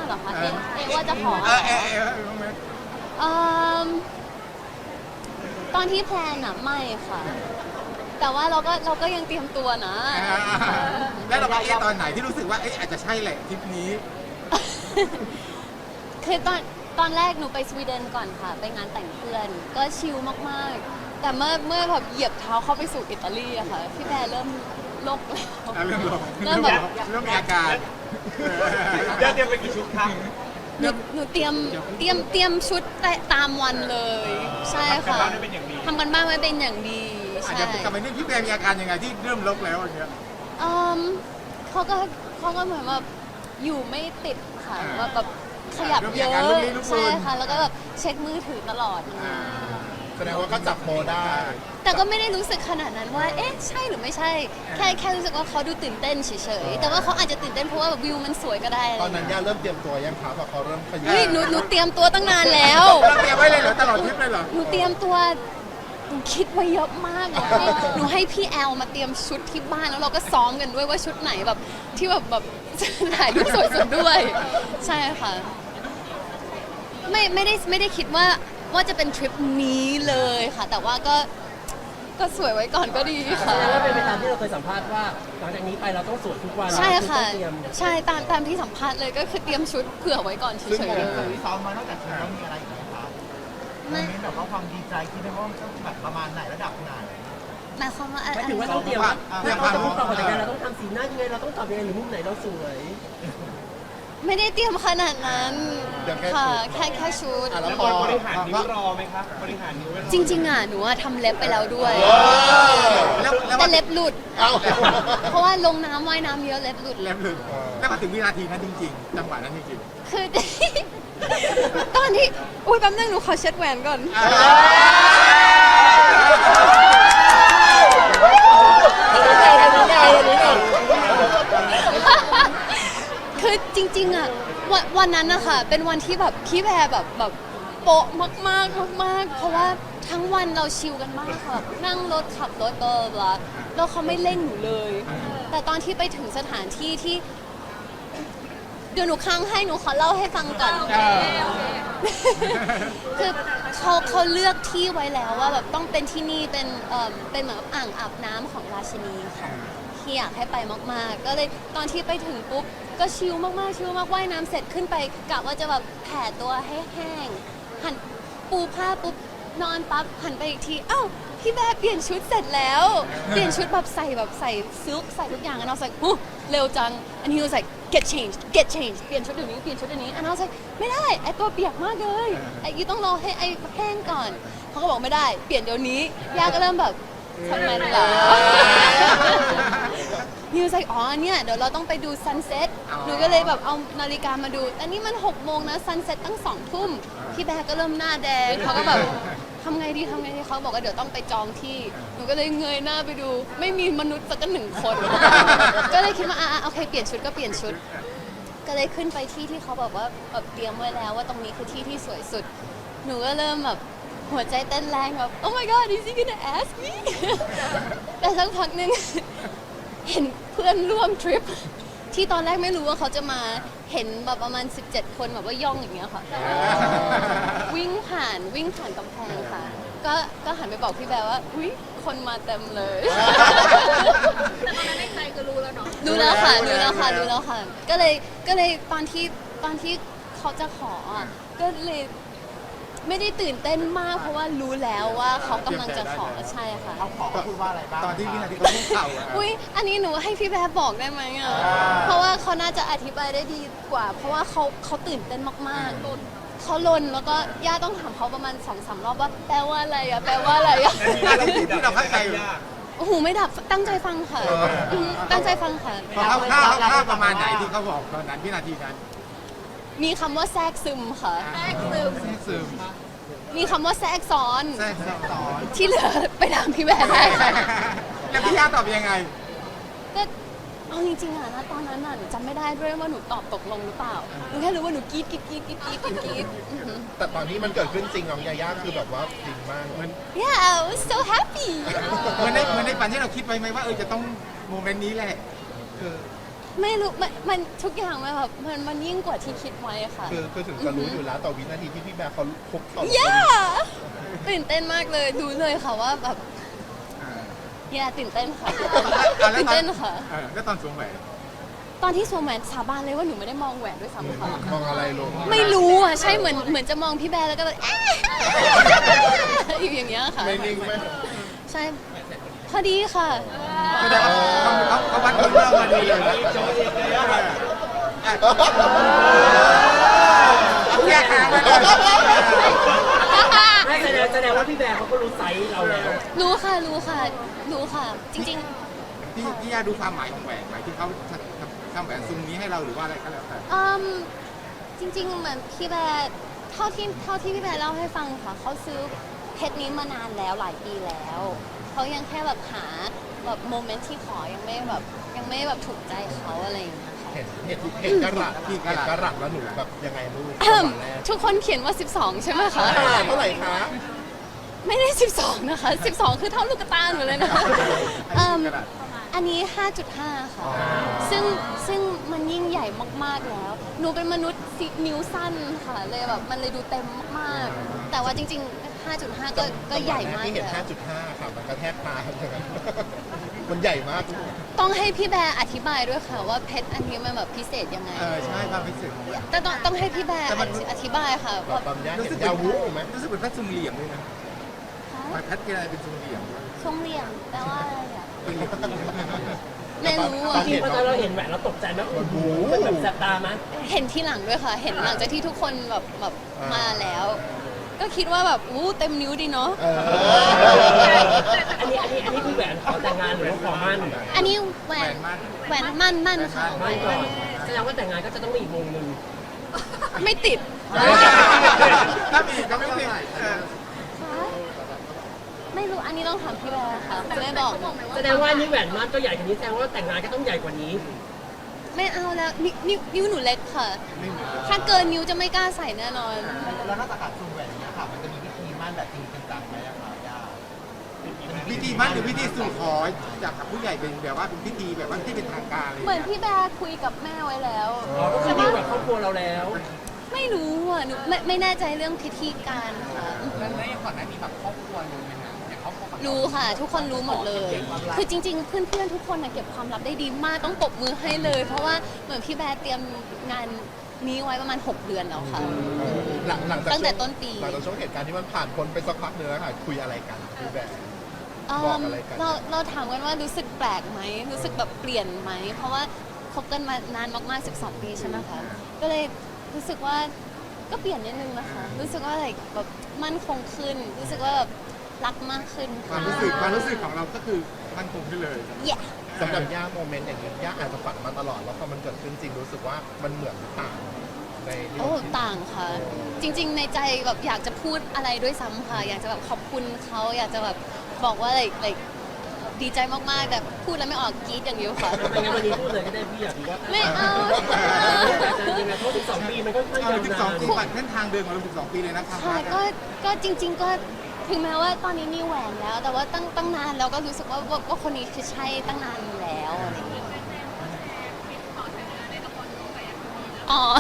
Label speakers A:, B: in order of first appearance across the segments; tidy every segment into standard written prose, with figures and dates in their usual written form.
A: เหรอคะเอะว่าจะขอตอนที่แพลนอะไม่ค่ะแต่ว่าเราก็ยังเตรียมตัวนะ
B: แล้วเราไปตอนไหนที่รู้สึกว่าอาจจะใช่แหละทริปนี้
A: คือตอนแรกหนูไปสวีเดนก่อนค่ะไปงานแต่งเพื่อนก็ชิลมากๆแต่เมื่อแบบเหยียบเท้าเข้าไปสู่อิตาลีอะค่ะพี่แพรเริ่มโลกแล้วเริ่มแบบ
B: เริ่มมีอาการ
C: เตรียมไปกี่ชุดครับ
A: หนูเตรียมชุดตามวันเลยใช่ค่ะทำกันบ้านไว้เป็นอย่างดี
B: อาจ
A: ใช่
B: จะทำไมนี่พี่แพรมีอาการยังไงที่เริ่มลกแล้วอย่างเงี้ย
A: เขาก็เหมือนแบบอยู่ไม่ติดค่ะแบบขยับเยอะใช่ค่ะแล้วก็แบบเช็คมือถือตลอด
D: แสดงว่าก็จับโมได้
A: แต่ก็ไม่ได้รู้สึกขนาดนั้นว่าเอ๊ะใช่หรือไม่ใช่แค่รู้สึกว่าเขาดูตื่นเต้นเฉยๆแต่ว่าเขาอาจจะตื่นเต้นเพราะว่าวิวมันสวยก็ได้
D: ตอนนั้นย่าเริ่มเตรียมตัวยังครับเขาเริ่มขยับ
A: หนูเตรียมตัวตั้งนานแล้ว
B: เราเตรียมไว้เลยเหรอตลอดทริปเลยเหรอ
A: หนูเตรียมตัวหนูคิดไว้เยอะมากหนูให้พี่แอลมาเตรียมชุดที่บ้านแล้วเราก็ซ้อมกันด้วยว่าชุดไหนแบบที่แบบถ่ายรูปสวยสุดด้วยใช่ค่ะไม่ได้คิดว่าจะเป็นทริปนี้เลยค่ะแต่ว่าก็สวยไว้ก่อนก็ดีค่ะ
E: แล้วเป็นไปตามที่เราเคยสัมภาษณ์ว่าหลังจากนี้ไปเราต้องสวยทุกวัน
A: ใช่ค่ะใช่ตามที่สัมภาษณ์เลยก็คือเตรียมชุดเผื่อไว้ก่อนเฉยๆเลย
C: ที่ซ้อมมานอกจากชุดแล้วมีอะไรอีกไหมคะไม่แบบว่าความดีใจคิดได้ว่ามันต้องแบบประมาณไหนระดับไหน
A: หมายความว่า
E: หมายถึงว่าต้องเตรียมเราจะพูดต่อจากนั้นเราต้องทำสีหน้ายังไงเราต้องตอบยังไงหรือมุมไหนเราสวย
A: ไม่ได้เตรียมขนาดนั้นค่ะแค่ชุด
C: แล้วบริหารนิ้วรอไหมครับบริหารนิ้ว
A: จริงๆหนูทำเล็บไปแล้วด้วยแต่เล็บหลุดเพราะว่าลงน้ำว่ายน้ำเยอะเล็บหลุด
B: แล้วมาถึงวินาทีนั้นจริงๆจังหวะนั้นจริง
A: ๆคือตอนที่อุ้ยแป๊บนึงหนูขอเช็ดแหวนก่อนคือจริงๆวันนั้นนะคะเป็นวันที่แบบพี่แพรแบบโป๊ะมากเพราะว่าทั้งวันเราชิลกันมากค่ะนั่งรถขับรถแล้วเขาไม่เร่งหนูเลยแต่ตอนที่ไปถึงสถานที่ที่เดี๋ยวหนูค้างให้หนูขอเล่าให้ฟังก่อนคือเขาเลือกที่ไว้แล้วว่าแบบต้องเป็นที่นี่เป็นเหมือนอ่างอาบน้ำของราชินีค่ะที่อยากให้ไปมากๆก็เลยตอนที่ไปถึงปุ๊บก็ชิลมากว่ายน้ำเสร็จขึ้นไปกะว่าจะแบบแผ่ตัวให้แห้งหันปูผ้าปุ๊บนอนปั๊บหันไปอีกทีอ้าวพี่แม่เปลี่ยนชุดเสร็จแล้วเปลี่ยนชุดแบบใส่ซิลค์ใส่ทุกอย่างand I was likeเร็วจัง and he was like get changed เปลี่ยนชุดเดี๋ยวนี้and I was like ไม่ได้ไอตัวเปียกมากเลยไอยูต้องรอให้ไอแห้งก่อนเขาก็บอกไม่ได้เปลี่ยนเดี๋ยวนี้ย่าก็เริ่มแบบทำไมล่ะนิวใส่อ๋อเนี่ยเดี๋ยวเราต้องไปดูซันเซ็ตหนูก็เลยแบบเอานาฬิกามาดูอันนี้มัน6 โมงนะซันเซ็ตตั้ง2 ทุ่มพี่แบร์ก็เริ่มหน้าแดงเขาก็แบบทำไงดีเขาบอกว่าเดี๋ยวต้องไปจองที่หนูก็เลยเงยหน้าไปดูไม่มีมนุษย์สัก1 คนก็เลยคิดว่าโอเคเปลี่ยนชุดก็เปลี่ยนชุดก็เลยขึ้นไปที่เขาแบบว่าแบบเตรียมไว้แล้วว่าตรงนี้คือที่สวยสุดหนูก็เริ่มแบบหัวใจเต้นแรงแบบ oh my god is he gonna ask me แต่สักพักนึงเห็นเพื่อนร่วมทริปที่ตอนแรกไม่รู้ว่าเขาจะมาเห็นแบบประมาณ17 คนแบบว่าย่องอย่างเงี้ยค่ะวิ่งผ่านกำแพงค่ะก็หันไปบอกพี่แบร์ว่าอุ๊ยคนมาเต็มเลย
F: แต่ตอนนั้นในใจก็รู้แล้วเนาะ
A: รู้แล้วค่ะก็เลยตอนที่เขาจะขอก็เลยไม่ได้ตื่นเต้นมากเพราะว่ารู้แล้วว่าเขากำลังจะขอใช่ค่ะ
C: เขาขอพูดว่าอะไรบ้าง
B: ตอนที่วินาทีเขาพูดเข่า
A: อุ้ยอันนี้หนูให้พี่แบร์บอกได้ไหมเพราะว่าเขาน่าจะอธิบายได้ดีกว่าเพราะว่าเขาตื่นเต้นมากๆเขาลนแล้วก็ย่าต้องถามเขาประมาณ2-3 รอบว่าแปลว่าอะไรอะ
B: ที่เราเข้าใจ
A: โอ้โหไม่ดับตั้งใจฟังค่ะตั้งใจฟังค่ะ
B: เขาประมาณไหนที่เขาบอกตอนนั้นวินาทีนั้น
A: มีคำว่าแทรกซึมค่ะ
B: แทรกซึม
A: มีคำว่าแทรกซ้อนที่เหลือไปถามพี่แบร์ได้
B: แล้วพี่ย่าตอบยังไง
A: ก็เอาจริงๆนะตอนนั้นหนูจำไม่ได้ด้วยว่าหนูตอบตกลงหรือเปล่าหนูแค่รู้ว่าหนูกรี๊ด
D: แต่ตอนที่มันเกิดขึ้นจริงน้องยาย่าคือแบบว่าจริงมากมัน
A: yeah I was so happy
B: เหมือนในฝันที่เราคิดไว้ไหมว่าจะต้องโมเมนต์นี้แหละ
A: ไม่รู้มันทุกอย่างมันแบบมันยิ่งกว่าที่คิดไว้ค่ะ
D: คือถึงจะรู้อยู่แล้วต่อวินาทีที่พี่แบร์เขาคุกเข่า
A: ย่าตื่นเต้นมากเลยรู้เลยค่ะว่าแบบย่าตื่นเต้นค่ะตื่นเต้นค่ะ
B: แล้วตอนสวมแหวน
A: ตอนที่สวมแหวนสาบานเลยว่าหนูไม่ได้มองแหวนด้วยซ้ำค่ะ
D: มองอะไรลง
A: ไม่รู้อ่ะใช่เหมือนจะมองพี่แบร์แล้วก็แบบ อยู่อย่างเงี้ยค่ะ
D: ไม่นิ่งไหม
A: ใช่พอดีค่ะ
B: แสดงว่าเขาวัดคนเรามาดีเลยนะแยกทางไปเลย
E: ไม่แสดงว่าพี่แบร์เขาก็รู้ไซส์เราแล้ว
A: รู้ค่ะจริง
B: พี่ยาดูความหมายของแหวนหมายที่เขาทำแหวนซุ้มนี้ให้เราหรือว่าอะไรก็แล้วแต่
A: ๆจริง ๆ เหมือนพี่แบร์เท่าที่พี่แบร์เล่าให้ฟังค่ะเขาซื้อเพชรนี้มานานแล้วหลายปีแล้วเขายังแค่แบบหาแบบโมเมนต์ที่ขอยังไม่แบบถูกใจเขาอะไรอย่างเงี้ยค่ะ
D: เห็นกระหลัดแล้วหนูแบบยังไงลูกตอนแรก
A: ทุกคนเขียนว่า 12 ใช่ไหมคะ
D: เท่าไหร่คะ
A: ไม่ได้ 12 นะคะ 12 คือเท่าลูกกระตาหนูเลยนะคะอันนี้ 5.5 ค่ะ ซึ่งมันยิ่งใหญ่มากๆแล้ว หนูเป็นมนุษย์นิ้วสั้นค่ะ เลยแบบมันเลยดูเต็มมากๆ แต่ว่าจริงๆ 5.5 ก็ใหญ่มาก
D: ที่
A: เล
D: เห็น
A: ย
D: 5.5 ค่ะ มันกระแทกตาทั้งนั้นมันใหญ่มาก
A: ต้องให้พี่แบร์อธิบายด้วยค่ะว่าเพชรอันนี้มันแบบพิเศษยังไง
B: ใช่ความพิเศษ
A: แต่ต้องให้พี่แบร์อธิบายค่ะ
D: แบบ
A: ว่า
D: บางอย่าง
B: รู้
D: เห็
B: สึก
D: นยาวุไหม
B: รู้สึกเป็นแพทย์ซุ้มเหลี่ยมด้วยนะแพทย์อะไรเป็นซุ้มเหลี่ยม
A: ทรงเหลี่ยมแปลว่าอะไรอ่ะไม่รู้
E: จ
A: อ่ะ
E: ริงๆพอตอนเราเห็นแหวนเราตกใจไหมโอ้โหมันแบบแสบตาไหม
A: เห็นที่หลังด้วยค่ะ เห็นหลังจากที่ทุกคนแบบมาแล้ว ก็คิดว่าแบบอู้เต็มนิ้วดีเนาะ
E: อันนี้คือแหวนขอแต่งงานหรือว่าขอมั่น
A: อันนี้แหวนมั่นค่ะ
E: มั่นก่อนแสดงว่าแต่งงานก็จะต้องมีอีกวงหนึ่ง
A: ไม่ติด
B: ถ้ามีก็ไม่ติด
A: ไม่รู้อันนี้ต้องถามพี่แบร์ค่ะไม่บอก
E: แสดงว่านี่แหวนมั่นก็ใหญ่กว่านี้แสดงว่าแต่งงานก็ต้องใหญ่กว่านี้
A: ไม่เอาแล้วนิ้วหนูเล็กค่ะ ถ้าเกินนิ้วจะไม่กล้าใส่แน่นอน
C: แล้วนอกจากการซูมแหวนนี้ค่ะมันจะมีวิธีมั่นแบบจริงจังไหมอะคะย่า
B: พิธีมั่นหรือพิธีสู่ขอจากผู้ใหญ่เป็นแบบว่าเป็นพิธีแบบว่าที่เป็นทางการเลย
A: เหมือนพี่แบร์คุยกับแม่ไว้แล้ว
E: อ๋อก็คือดีลกับครอบครัวเราแล้ว
A: ไม่รู้อ่ะหนูไม่แน่ใจเรื่องพิธีการค่ะ
C: แล้วก่อนหน้านี้แบบครอบครัวรู้ไหมคะอย่างครอบครัว
A: รู้ค่ะ ทุกคนรู้หมดเลย คือจริงๆ เพื่อนๆ ทุกคนน่ะเก็บความลับได้ดีมากต้องปรบมือให้เลย เพราะว่าเหมือนพี่แบร์เตรียมงานนี้ไว้ประมาณ 6 เดือนแล้วค่ะ
D: หลังจาก
A: ตั้งแต่ต้นปี
D: หลังจากช่วงเหตุการณ์ที่มันผ่านพ้นไปสักพักหนึงแล้วค่ะ คุยอะไรกันพี่แบร์ บอกอะไรกัน
A: เราถามกันว่ารู้สึกแปลกไหมรู้สึกแบบเปลี่ยนไหมเพราะว่าคบกันมานานมากๆ 12 ปีใช่ไหมคะก็เลยรู้สึกว่าก็เปลี่ยนนิดนึงนะคะ รู้สึกว่าอะไรแบบมั่นคงขึ้น รู้สึกว่าแบบรักมากขึ้น
B: ความ
A: ค่ะ
B: รู้สึกของเราก็คือมันคงขึ้นเลย
A: เย่
D: สำหรับย่าโมเมนต์อย่างนี้ย่าอาจจะฝันมาตลอดแล้วพอมันเกิดขึ้นจริงรู้สึกว่ามันเหมือนหรือต่างในที่
A: โอ้
D: เราคิด
A: ต่างค่ะ จริง ๆ ในใจแบบอยากจะพูดอะไรด้วยซ้ำค่ะ อยากจะแบบขอบคุณเขาอยากจะแบบบอกว่าอะไรดีใจมากๆ แต่พูดแล้วไม่ออกกรี๊ดอย่างเดียวค่ะ
E: ไม่งั้นวันนี้พูดเลยก็ได้พี่อยากรู้ว่า
A: ไม่เอา
E: แต่จริงๆนะเพราะ12 ปีมันก็ไม่ยาวนาน
B: 12 ปีผ่านเส้นทางเดินมา12 ปีเลยนะครับ
A: ค่ะก็จริง ๆ ก็ถึงแม้ว่าตอนนี้มีแหวนแล้ว แต่ว่าตั้งนานเราก็รู้สึกว่าคนนี้คือใช่ตั้งนานแล้วอะไรอย่างเงี้ยอ๋อ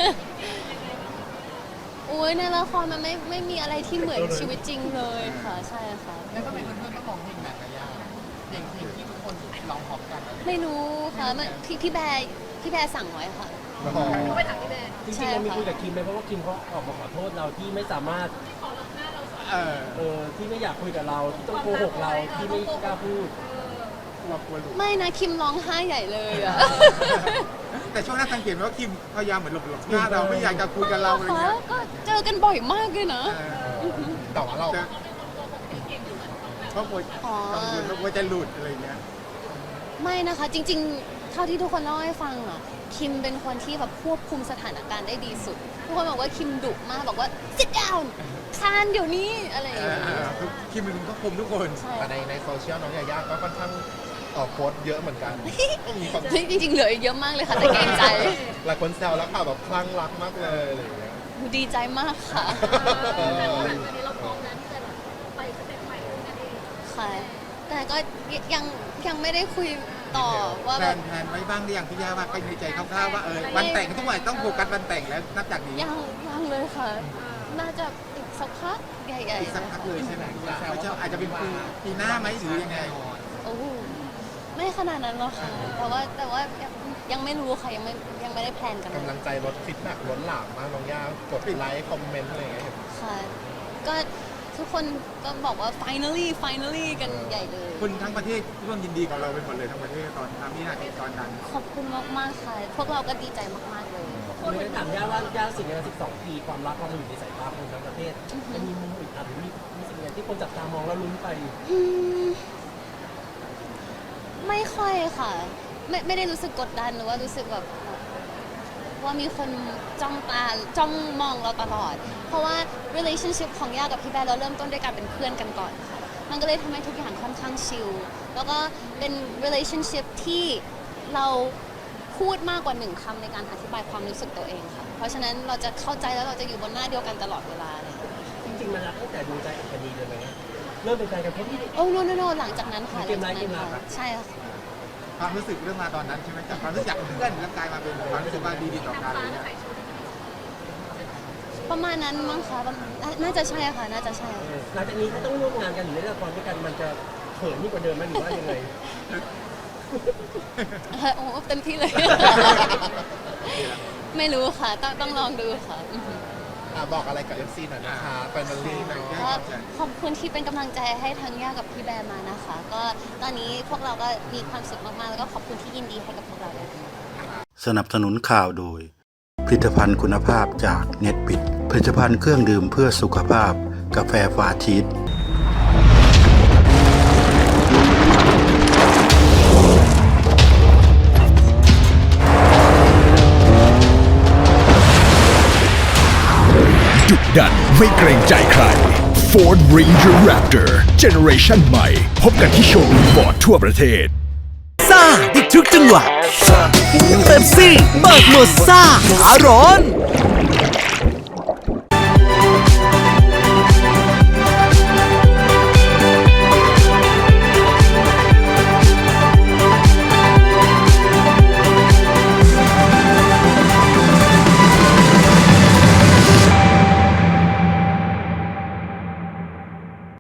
A: อุ้ยในละครมันไม่มีอะไรที่เหมือนชีวิตจริงเลยค่ะ ใช่ค่ะ
C: แล้วก็เป็นเพื่อนๆก็ร้องเพลงแบบย่าเพลงที่ทุกคนร้องพร้อมกัน
A: ไม่รู้ค่ะมันพี่แบร์สั่งไว้ค่ะ
F: ไปถามพี่แบร์
E: จริงๆเรามีคุยกับคิมไหมเพราะว่าคิมเขาออกมาขอโทษเราที่ไม่สามารถที่ไม่อยากคุยกับเราที่ต้องโกหกเราที่ไม่กล้าพูด
B: เราควรรู้
A: ไม่นะคิมร้องไห้ใหญ่เลยอะ
B: แต่ช่วงนั้นสังเกตว่าคิมพยายามเหมือนหลบหน้าเราไม่อยากจะคุยกับเราอะไร
A: คะ
B: เงี้ย
A: ก็เจอกันบ่อยมากเลยนะ
D: แต่ว่าเรา
B: เพราะกลัวกังวลว่าจะหลุดอะไรเงี้ย
A: ไม่นะคะจริงๆ เท่าที่ทุกคนเล่าให้ฟังอ่ะคิมเป็นคนที่แบบควบคุมสถานการณ์ได้ดีสุด ทุกคนบอกว่าคิมดุมากบอกว่า sit down คานเดี๋ยวนี้อะไรอย่างเงี้ย
B: คิมเป็นคนควบคุมทุกคน
A: ใช่
D: แต่ในโซเชียลน้องยาย่าก็ค่อนข้างโพสต์เยอะเหมือนกันมีความ
A: จริงๆเหลืออีกเยอะมากเลยค่ะแต่เกรงใจ
D: หลายคนแซวแล้วค่ะแบบคลั่งรักมากเลยอะไรอย่างเงี้ย
A: ดีใจมากค่ะ
F: อันนี้เราพร้อมนะที่จะแบบไปสเต็ปใหม่ด้วยกันเอง
A: ค่ะ แต่ก็ยังไม่ได้คุยต่อว่า
B: แพล
A: แบบ
B: นไว้บ้างหรือยังพี่ย่าว่าใครในใจคร่าวๆว่าวันแต่งทุกวันต้องโฟกัสวันแต่งแล้วนับจากนี้
A: ยังเลยค่ะ น่าจะอีกสักพักใหญ่
B: อีกสักพักเลยใช่ไหมอาจจะเป็นปีหน้าไหมหรือยังไง
A: ๆโอ้โหไม่ขนาดนั้นหรอกค่ะแต่ว่ายังไม่รู้ค่ะยังไม่ได้แพลนกันเลย
D: กำลังใจลดฟีดแบ็กล้นหลามมากน้องย่ากดไลค์คอมเมนต์อะไรอย่างเงี้ย
A: ค่ะก็ทุกคนก็บอกว่า finally กันใหญ่เลย
B: คนทั้งประเทศร่วมยินดีกับเราไปหมดเลยทั้งประเทศตอนทำนี่นาทีตอนนั้น
A: ขอบคุณมากๆค่ะ พวกเราก็ดีใจมากๆเลย
E: คนเลยถามย่าว่าย่าสิ่งใน12 ปีความรักเราอยู่ในสายตาคนทั้งประเทศมันมีมุมอึดอัดหรือมีสิ่งไหนที่คนจับตามองแล้วลุ้นไป
A: อืมไม่ค่อยค่ะ ไม่ได้รู้สึกกดดันหรือว่ารู้สึกแบบว่ามีคนจ้องมองเราตลอด เพราะว่า relationship ของย่ากับพี่แบร์เราเริ่มต้นด้วยการเป็นเพื่อนกันก่อนค่ะมันก็เลยทำให้ทุกอย่างค่อนข้างชิลแล้วก็เป็น relationship ที่เราพูดมากกว่า1 คำในการอธิบายความรู้สึกตัวเองค่ะเพราะฉะนั้นเราจะเข้าใจแล้วเราจะอยู่บนหน้าเดียวกันตลอดเวลาเลย
E: จริงๆมันรักตั้งแต่ดูใจอัคนีเลยไหมเริ่มเป็นแฟนกันเพราะที่
A: โอ้ no หลังจากนั้นค่ะ
E: เกมร้ายเกมรัก
A: ใช่ค่ะ
B: ความรู้สึกเรื่องมาตอนนั้นใช่ไหมจากความรู้สึกจากเพื่อนแล้วกลายมาเป็นความรู้สึกว่าดีต่อกันอะไรเงี้ย
A: ประมาณนั้นมั้งคะน่าจะใช่ค่ะน่าจะใช่
E: หลังจากนี้ถ้าต้องร่วมงานกันหรือเล่นละครด้วยกันมันจะเขินยิ่งกว่าเดิมไหมหรือว่ายังไง
A: โอ้เต็มที่เลย ไม่รู้ค่ะต้องลองดูค่ะ
D: บอกอะไรกับ FC หน่อยนะคะแฟนบอลลีเนาะ
A: ก็ขอบคุณที่เป็นกำลังใจให้ทั้งย่ากับพี่แบร์มานะคะ ก็ตอนนี้พวกเราก็มีความสุขมากๆแล้วก็ขอบคุณที่ยินดีให้กับพวกเราด้วย
G: สนับสนุนข่าวโดย ผลิตภัณฑ์คุณภาพจากเน็ตบิดผลิตภัณฑ์เครื่องดื่มเพื่อสุขภาพกาแฟฟาชีส
H: ดุดันไม่เกรงใจใคร Ford Ranger Raptor Generation ใหม่พบกันที่โชว์รูมฟอร์ดทั่วประเทศ
I: ซ่าอีกทุกจังหวะเป๊ปซี่เบิกหมดซ่าขาร้อน